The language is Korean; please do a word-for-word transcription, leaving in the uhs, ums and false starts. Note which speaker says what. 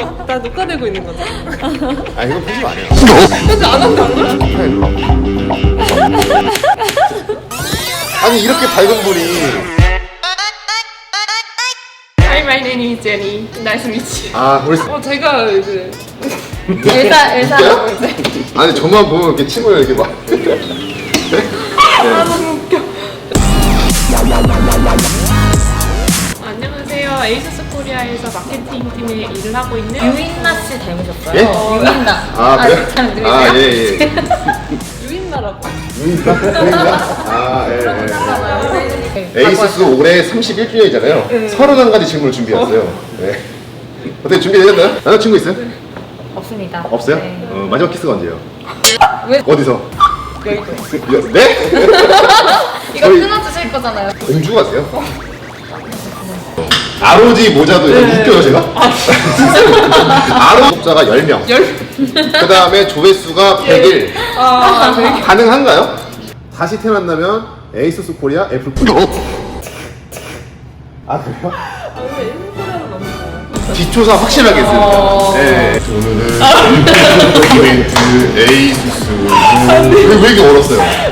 Speaker 1: 나 녹화되고 있는 거죠?
Speaker 2: 아 이거 편집 안 해요.
Speaker 1: 편집 안 한다고요?
Speaker 2: 아니 이렇게 밝은 분이.
Speaker 1: Hi, my name is Jenny. Nice to meet you.
Speaker 2: 아 우리.
Speaker 1: 어, 제가 이제
Speaker 3: 엘사, 엘사라고
Speaker 2: 진짜요?
Speaker 3: 이제.
Speaker 2: 아니 저만 보면 이렇게 침을 이렇게 막.
Speaker 1: 아, 너무 웃겨. 안녕하세요. 에이수스 코리아에서 마케팅 팀에 일을 하고 있는
Speaker 3: 유인나 씨 닮으셨어요?
Speaker 2: 예?
Speaker 3: 유인나.
Speaker 2: 아 그래?
Speaker 3: 잘 들리세요?
Speaker 2: 아 예예.
Speaker 1: 유인나라고.
Speaker 2: 유인가? 유인가? 아 예.
Speaker 3: 네,
Speaker 2: 에이수스 올해 삼십일 주년이잖아요.
Speaker 1: 네.
Speaker 2: 서른한 가지 질문을 준비했어요. 네. 어떻게 준비되셨나요? 남자친구 있어요?
Speaker 3: 없습니다.
Speaker 2: 없어요?
Speaker 3: 네.
Speaker 2: 어, 마지막 키스가 언제예요?
Speaker 3: 왜?
Speaker 2: 어디서?
Speaker 3: 여의도.
Speaker 2: 네?
Speaker 3: 이거
Speaker 2: 저희
Speaker 3: 끊어주실 거잖아요.
Speaker 2: 공주 같아요? 아로지 모자도
Speaker 1: 네.
Speaker 2: 웃겨요 제가? 아로 구독자가 열 명.
Speaker 1: 열.
Speaker 2: 그 다음에 조회수가 백 일.
Speaker 1: 아, 네.
Speaker 2: 가능한가요? 다시 태어난다면 에이수스 코리아 애플 코리아. 아 그래요?
Speaker 1: 아, 왜 일본 코리아는 너무 좋아요?
Speaker 2: 뒷조사 확실하게 했습니다.
Speaker 1: 어.
Speaker 2: 네. 오늘은 에이수스 왜, 왜 이렇게 얼었어요?